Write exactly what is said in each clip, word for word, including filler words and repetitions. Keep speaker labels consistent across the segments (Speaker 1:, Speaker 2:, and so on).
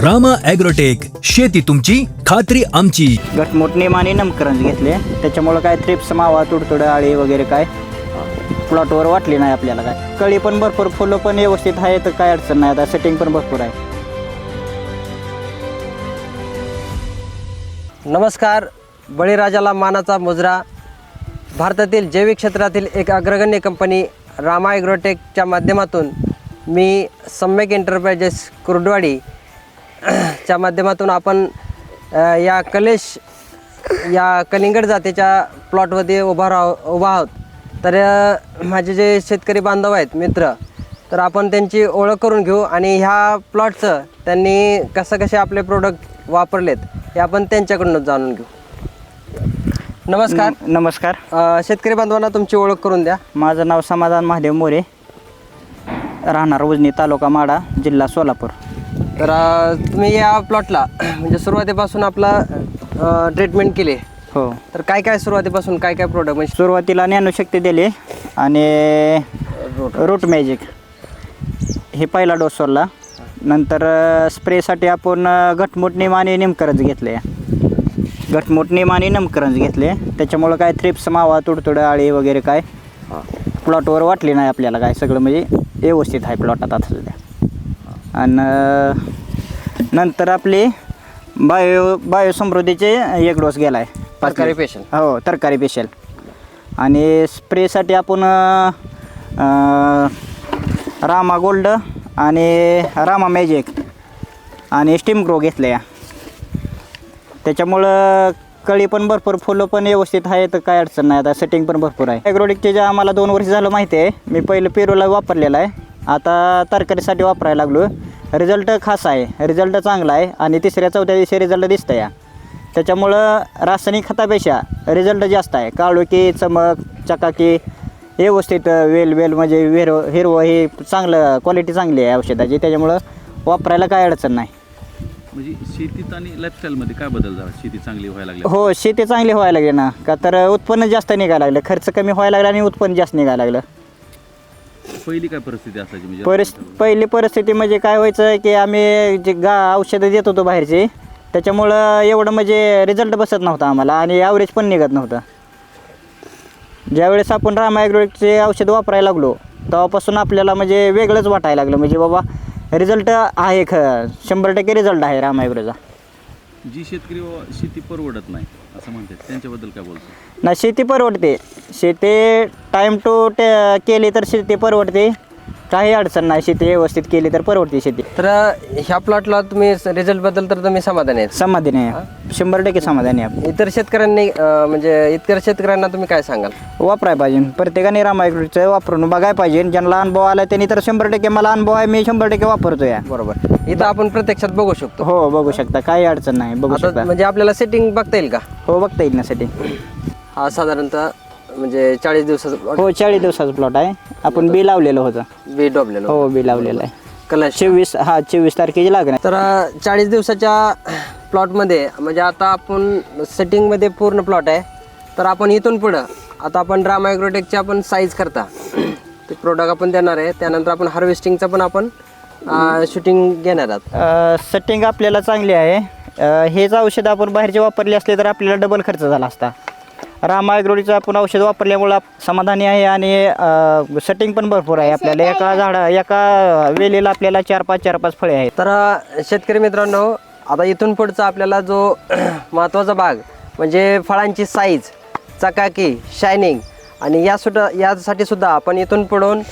Speaker 1: Rama agrotech, शेती तुमची खात्री आमची.
Speaker 2: घटमुट नेमाने नमकरंज घेतले, त्याच्यामुळं काय थ्रिप्स मावा तुडतुडं आळी वगैरे काय प्लॉटवर वाटली नाही आपल्याला. काय कळी पण भरपूर, फुलं पण व्यवस्थित आहे, तर काय अडचण नाही. आता सेटिंग पण भरपूर आहे.
Speaker 3: नमस्कार. बळीराजाला मानाचा मुजरा, भारतातील जैविक क्षेत्रातील एक अग्रगण्य कंपनी रामा ॲग्रोटेकच्या माध्यमातून मी सम्यक एंटरप्राइजेस कुर्डवाडी च्या माध्यमातून आपण अ, या कलेश या कलिंगड जातीच्या प्लॉटमध्ये उभा राह उभा आहोत. तर अ, माझे जे शेतकरी बांधव आहेत, मित्र, तर आपण त्यांची ओळख करून घेऊ आणि ह्या प्लॉटचं त्यांनी कसं कसे आपले प्रोडक्ट वापरलेत हे आपण त्यांच्याकडूनच जाणून घेऊ. नमस्कार.
Speaker 2: नम- नमस्कार.
Speaker 3: अ, शेतकरी बांधवांना तुमची ओळख करून द्या.
Speaker 2: माझं नाव समाधान महादेव मोरे, राहणार उजनी, तालुका माडा, जिल्हा सोलापूर.
Speaker 3: तर अ, तुम्ही या प्लॉटला म्हणजे सुरुवातीपासून आपला ट्रीटमेंट केली,
Speaker 2: हो.
Speaker 3: तर काय काय सुरुवातीपासून काय काय प्रोडक्ट म्हणजे
Speaker 2: सुरुवातीला ज्ञानशक्ती दिली आणि रूट मॅजिक हे पहिला डोस सोडला. नंतर स्प्रेसाठी आपण घटमुट निम आणि निमकरंज घेतले. घटमुट निम आणि निमकरंज घेतले, त्याच्यामुळं काय थ्रिप्स मावा तुडतुडं आळी वगैरे काय प्लॉटवर वाटली नाही आपल्याला. काय सगळं म्हणजे व्यवस्थित आहे प्लॉटात आता सध्या. आणि नंतर आपली बायो बायोसमृद्धीचे एक डोस गेला आहे,
Speaker 3: तरकारी पेशल.
Speaker 2: हो, तरकारी पेशल. आणि स्प्रेसाठी आपण अं, रामा गोल्ड आणि रामा मॅजिक आणि स्टीम ग्रो घेतले या. त्याच्यामुळं कळी पण भरपूर, फुलं पण व्यवस्थित आहे, तर काय अडचण नाही. आता सेटिंग पण भरपूर आहे. ॲग्रोटेकचे जे आम्हाला दोन वर्ष झालं माहिती आहे. मी पहिलं पेरूला वापरलेलं आहे, आता तरकारीसाठी वापरायला लागलो. रिझल्ट खास आहे, रिझल्ट चांगला आहे आणि तिसऱ्या चौथ्या दिवशी रिझल्ट दिसतं या. त्याच्यामुळं रासायनिक खतापेक्षा रिझल्ट जास्त आहे. काळोखी, चमक, चकाकी, व्यवस्थित वेल वेल म्हणजे हिरव हिरवं हे चांगलं, क्वालिटी चांगली आहे औषधाची. त्याच्यामुळं वापरायला काय अडचण नाही.
Speaker 4: म्हणजे शेतीत आणि लाईफस्टाईलमध्ये काय बदल झाला? शेती चांगली व्हायला लागली?
Speaker 2: हो, शेती चांगली व्हायला लागली ना, का तर उत्पन्न जास्त निघायला लागलं, खर्च कमी व्हायला लागला आणि उत्पन्न जास्त निघायला लागलं.
Speaker 4: पहिली काय परिस्थिती असायची म्हणजे?
Speaker 2: परिस पहिली परिस्थिती म्हणजे काय व्हायचं की आम्ही जे गा औषधं देत होतो बाहेरची, त्याच्यामुळं एवढं म्हणजे रिझल्ट बसत नव्हता आम्हाला आणि ॲव्हरेज पण निघत नव्हतं. ज्यावेळेस आपण रामा ॲग्रोटेकचे औषध वापरायला लागलो तेव्हापासून आपल्याला म्हणजे वेगळंच वाटायला लागलं. म्हणजे बाबा रिझल्ट आहे, ख शंभर टक्के रिझल्ट आहे रामा ॲग्रोचा.
Speaker 4: जी शेतकरी व शेती परवडत नाही असं म्हणतात, त्यांच्याबद्दल काय बोलतो?
Speaker 2: ना, शेती परवडते. शेती टाईम टू टे केली तर शेती परवडते, काही अडचण नाही. शेती व्यवस्थित केली तर परवडते शेती.
Speaker 3: तर ह्या प्लॉटला तुम्ही रिझल्टबद्दल तर तुम्ही समाधानी आहेत?
Speaker 2: समाधानी आहे, शंभर टक्के समाधानी आहे.
Speaker 3: इतर शेतकऱ्यांनी अ, म्हणजे इतर शेतकऱ्यांना तुम्ही काय सांगाल?
Speaker 2: वापरायला पाहिजे प्रत्येकाने रामा ॲग्रोटेकचं वापरून बघायला पाहिजे. ज्यांना अनुभव आला त्यांनी तर शंभर टक्के, मला अनुभव आहे, मी शंभर टक्के वापरतो या.
Speaker 3: बरोबर. इथं आपण प्रत्यक्षात बघू शकतो.
Speaker 2: हो, बघू शकता, काही अडचण नाही, बघू
Speaker 3: आता
Speaker 2: शकता.
Speaker 3: म्हणजे आपल्याला सेटिंग बघता येईल का?
Speaker 2: हो, बघता येईल ना सेटिंग.
Speaker 3: हा साधारणतः म्हणजे चाळीस दिवसाचं
Speaker 2: हो, चाळीस दिवसाचं प्लॉट आहे. आपण बी लावलेलं होतं.
Speaker 3: बी डोबलेलं.
Speaker 2: हो, बी लावलेलं आहे.
Speaker 3: कलश
Speaker 2: चोवीस हा चोवीस तारखेची लागणार.
Speaker 3: तर चाळीस दिवसाच्या प्लॉटमध्ये म्हणजे आता आपण सेटिंगमध्ये पूर्ण प्लॉट आहे. तर आपण इथून पुढं आता आपण रामा ॲग्रोटेकची आपण साईज करता ते प्रोडक्ट आपण देणार आहे. त्यानंतर आपण हार्वेस्टिंगचं पण आपण शूटिंग घेणार आहात.
Speaker 2: सेटिंग आपल्याला चांगली आहे. अ, हेच औषध आपण बाहेरचे वापरले असले तर आपल्याला डबल खर्च झाला असता. रामा ॲग्रोटेकचं आपण औषध वापरल्यामुळं आप- समाधानी आहे आणि सेटिंग पण भरपूर आहे. आपल्याला एका झाडा एका वेलीला आपल्याला चार पाच चार पाच फळे आहेत.
Speaker 3: तर शेतकरी मित्रांनो, आता इथून पुढचा आपल्याला जो महत्त्वाचा भाग म्हणजे फळांची साईज, चकाकी, शायनिंग आणि या सुद्धा यासाठी सुद्धा आपण इथून पुढून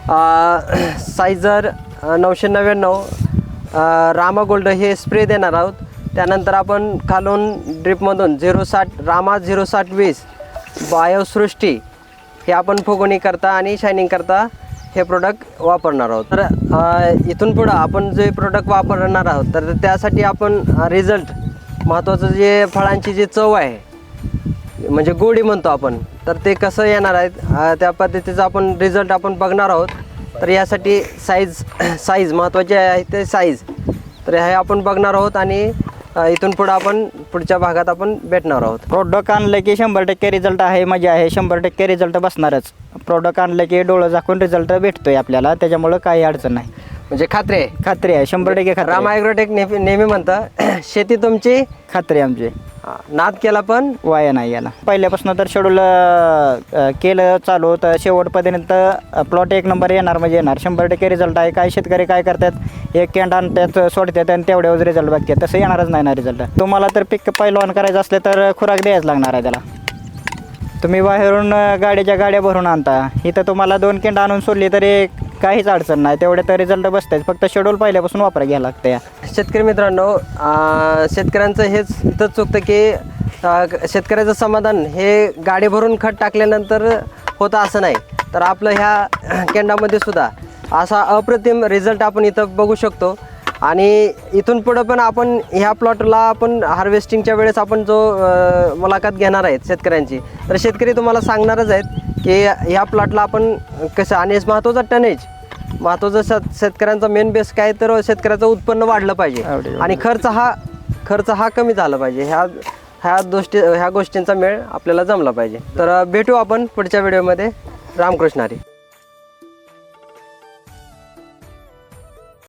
Speaker 3: साईजर नऊशे नव्याण्णव रामा गोल्ड हे स्प्रे देणार आहोत. त्यानंतर आपण खालून ड्रिपमधून झिरो साठ रामा झिरो साठ वीस बायोसृष्टी हे आपण फुगवणी करता आणि शायनिंग करता हे प्रोडक्ट वापरणार आहोत. तर अ, इथून पुढं आपण जे प्रोडक्ट वापरणार आहोत तर त्यासाठी आपण रिझल्ट महत्त्वाचं जे फळांची जी चव आहे म्हणजे गोडी म्हणतो आपण, तर ते कसं येणार आहे त्या पद्धतीचा आपण रिझल्ट आपण बघणार आहोत. तर यासाठी साईज साईज महत्त्वाची आहे, ते साईज तर हे आपण बघणार आहोत आणि इथून पुढं आपण पुढच्या भागात आपण भेटणार आहोत.
Speaker 2: प्रोडक्ट आणलं की शंभर टक्के रिझल्ट आहे, मजा आहे, शंभर टक्के रिझल्ट बसणारच. प्रोडक्ट आणलं की डोळं झाकून रिझल्ट भेटतोय आपल्याला, त्याच्यामुळं काही अडचण नाही.
Speaker 3: म्हणजे खात्री आहे.
Speaker 2: खात्री आहे, शंभर टक्के खात्री
Speaker 3: रामा
Speaker 2: आहे.
Speaker 3: ॲग्रोटेक नेहमी नेहमी म्हणतं शेती तुमची
Speaker 2: खात्री आहे आमची.
Speaker 3: हा, नाद केला पण
Speaker 2: वाया नाही याला. पहिल्यापासून तर शेड्यूल केलं चालू तर शेवटपर्यंत प्लॉट एक नंबर येणार म्हणजे येणार, शंभर टक्के रिझल्ट आहे. काही शेतकरी काय करतात, एक कॅन्ड आणतात सोडतात आणि तेवढ्यावर रिझल्ट बघतात, तसं येणारच नाही ना रिझल्ट. तुम्हाला तर पीक पहिलं ऑन करायचं असलं तर खुराक द्यायच लागणार आहे त्याला. तुम्ही बाहेरून गाड्याच्या गाड्या भरून आणता, इथं तुम्हाला दोन केंड आणून सोडली तरी काहीच अडचण नाही, तेवढे तर रिझल्ट बसतायच. फक्त शेड्यूल पहिल्यापासून वापरायला घ्यायला लागतं या.
Speaker 3: शेतकरी मित्रांनो, अं, शेतकऱ्यांचं हेच इथंच चुकतं की अं, शेतकऱ्याचं समाधान हे गाडी भरून खत टाकल्यानंतर होतं असं नाही. तर आपलं ह्या केंडामध्ये सुद्धा असा अप्रतिम रिझल्ट आपण इथं बघू शकतो. आणि इथून पुढं पण आपण ह्या प्लॉटला आपण हार्वेस्टिंगच्या वेळेस आपण जो अ, मुलाखत घेणार आहेत शेतकऱ्यांची, तर शेतकरी तुम्हाला सांगणारच आहेत की ह्या प्लॉटला आपण कसं, आणि महत्त्वाचा टनेज, महत्त्वाचं शेत शेतकऱ्यांचा मेन बेस काय, तर शेतकऱ्याचं उत्पन्न वाढलं पाहिजे आणि खर्च हा खर्च हा कमी झाला पाहिजे. ह्या ह्या गोष्टी ह्या गोष्टींचा मेळ आपल्याला जमला पाहिजे. तर भेटू आपण पुढच्या व्हिडिओमध्ये. रामकृष्ण हरी.